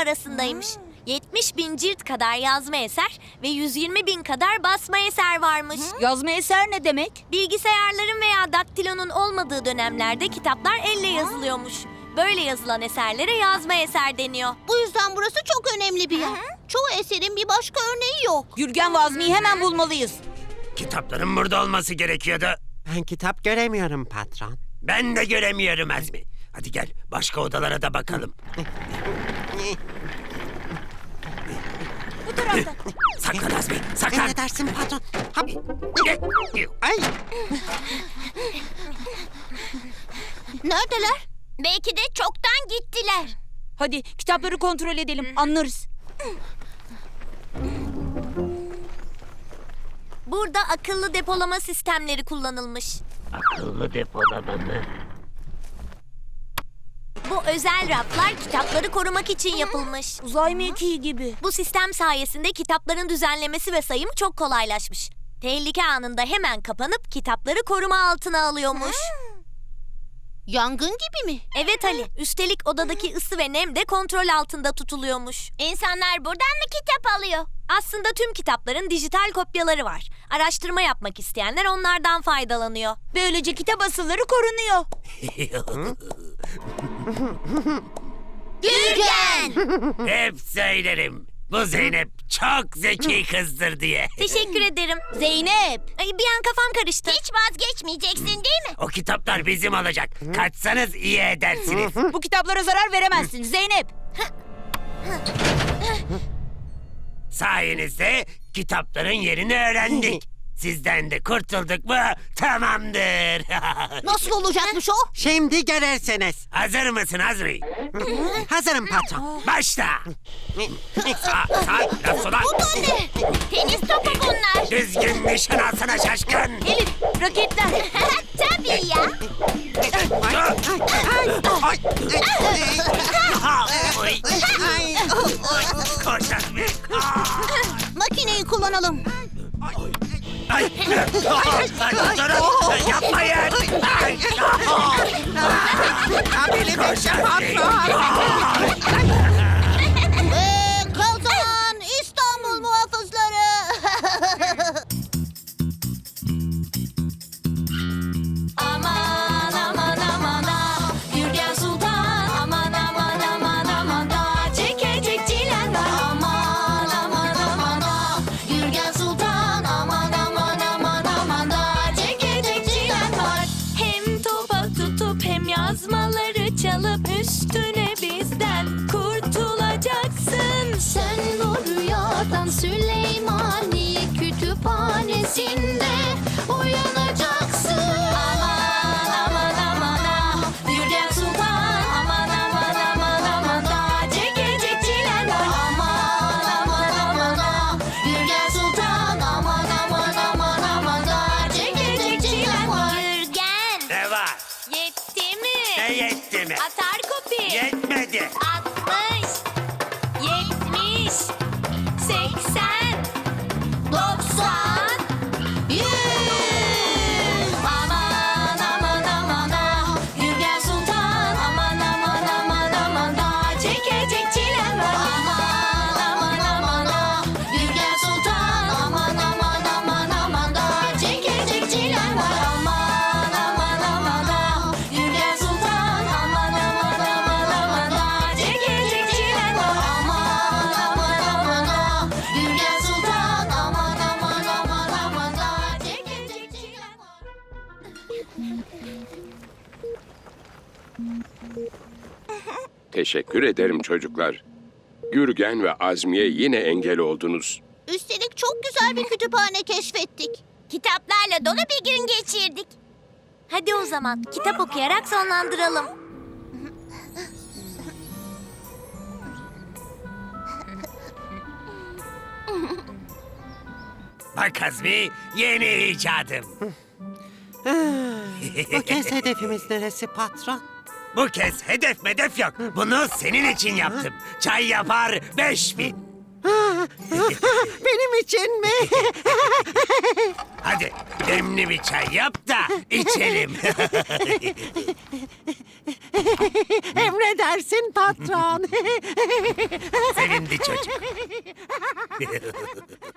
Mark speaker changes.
Speaker 1: arasındaymış. 70.000 cilt kadar yazma eser ve 120.000 kadar basma eser varmış.
Speaker 2: Yazma eser ne demek?
Speaker 1: Bilgisayarların veya daktilonun olmadığı dönemlerde kitaplar elle yazılıyormuş. Böyle yazılan eserlere yazma eser deniyor.
Speaker 3: Bu yüzden burası çok önemli bir yer. Çoğu eserin bir başka örneği yok.
Speaker 2: Gürgen ve Azmi'yi hemen bulmalıyız.
Speaker 4: Kitapların burada olması gerekiyordu.
Speaker 5: Ben kitap göremiyorum patron.
Speaker 4: Ben de göremiyorum Azmi. Hadi gel başka odalara da bakalım.
Speaker 2: Bu tarafta.
Speaker 4: Saklan Azmi, saklan.
Speaker 5: Emredersin patron. Hop. Ay.
Speaker 3: Neredeler? Belki de çoktan gittiler.
Speaker 2: Hadi kitapları kontrol edelim, anlarız.
Speaker 1: Burada akıllı depolama sistemleri kullanılmış.
Speaker 4: Akıllı depolama mı?
Speaker 1: Bu özel raflar kitapları korumak için yapılmış.
Speaker 2: Uzay mekiği gibi.
Speaker 1: Bu sistem sayesinde kitapların düzenlemesi ve sayımı çok kolaylaşmış. Tehlike anında hemen kapanıp kitapları koruma altına alıyormuş.
Speaker 3: Yangın gibi mi?
Speaker 1: Evet Ali, üstelik odadaki ısı ve nem de kontrol altında tutuluyormuş.
Speaker 3: İnsanlar buradan mı kitap alıyor?
Speaker 1: Aslında tüm kitapların dijital kopyaları var. Araştırma yapmak isteyenler onlardan faydalanıyor.
Speaker 2: Böylece kitap asılları korunuyor.
Speaker 3: Gürgen!
Speaker 4: Hep söylerim. Bu Zeynep çok zeki kızdır diye.
Speaker 1: Teşekkür ederim.
Speaker 2: Zeynep.
Speaker 1: Ay, bir an kafam karıştı.
Speaker 3: Hiç vazgeçmeyeceksin değil mi?
Speaker 4: O kitaplar bizim olacak. Kaçsanız iyi edersiniz.
Speaker 2: Bu kitaplara zarar veremezsin Zeynep.
Speaker 4: Sayenizde kitapların yerini öğrendik. Sizden de kurtulduk mu tamamdır.
Speaker 3: Nasıl olacakmış o?
Speaker 5: Şimdi görürsünüz.
Speaker 4: Hazır mısın Azmi?
Speaker 5: Hazırım patron.
Speaker 4: Başla. Sağ, biraz sola.
Speaker 3: Bu da ne? Tenis topu bunlar.
Speaker 4: Düzgün nişan alsana şaşkın.
Speaker 2: Elif, raketler.
Speaker 3: Tabii ya.
Speaker 5: Ay. Ay.
Speaker 4: Koş Azmi.
Speaker 3: Makineyi kullanalım.
Speaker 4: Ay, durun, yapmayın. Ay,
Speaker 5: Benim eşim patron.
Speaker 3: Ve kazanan İstanbul muhafızları.
Speaker 1: Aman aman aman ah, Gürgen Sultan. Aman aman aman aman da, çekecek çilen var. Aman aman aman ah, Gürgen Sultan. Aman aman aman aman da, çekecek çilen var. Hem topa tutup hem yazmaları çalıp üstüne bizden kurtulacaksın.
Speaker 3: Sen bu rüyadan Süleymaniye kütüphanesinde uyanacaksın.
Speaker 1: Aman aman aman ah, Gürgen Sultan. Aman aman aman aman da, çekecek çilen var. Aman aman aman ah, Gürgen Sultan. Aman aman aman aman da, çekecek çilen var. Gürgen,
Speaker 4: ne var?
Speaker 1: yetti mi?
Speaker 4: Ne yetti mi?
Speaker 1: Atar kopi.
Speaker 4: Yetmedi.
Speaker 1: 60, 70, 80, 90, 100. Aman aman aman ah, Gürgen Sultan. Aman aman aman aman da, çekecek çilen var. Aman aman aman ah, Gürgen Sultan. Aman aman aman aman da, çekecek çilen var. Aman aman aman ah, Gürgen Sultan. Aman aman aman aman da, çekecek çilen var. Aman aman aman ah, Gürgen Sultan. Aman aman aman aman da, çekecek çilen var.
Speaker 6: Teşekkür ederim çocuklar. Gürgen ve Azmi'ye yine engel oldunuz.
Speaker 3: Üstelik çok güzel bir kütüphane keşfettik. Kitaplarla dolu bir gün geçirdik.
Speaker 1: Hadi o zaman kitap okuyarak sonlandıralım.
Speaker 4: Bak Azmi, yeni icadım.
Speaker 5: Bu kez hedefimiz neresi patron?
Speaker 4: Bu kez hedef medef yok. Bunu senin için yaptım. Çay yapar 5000.
Speaker 5: Benim için mi?
Speaker 4: Hadi demli bir çay yap da içelim.
Speaker 5: Emredersin patron.
Speaker 4: Sevindi çocuk.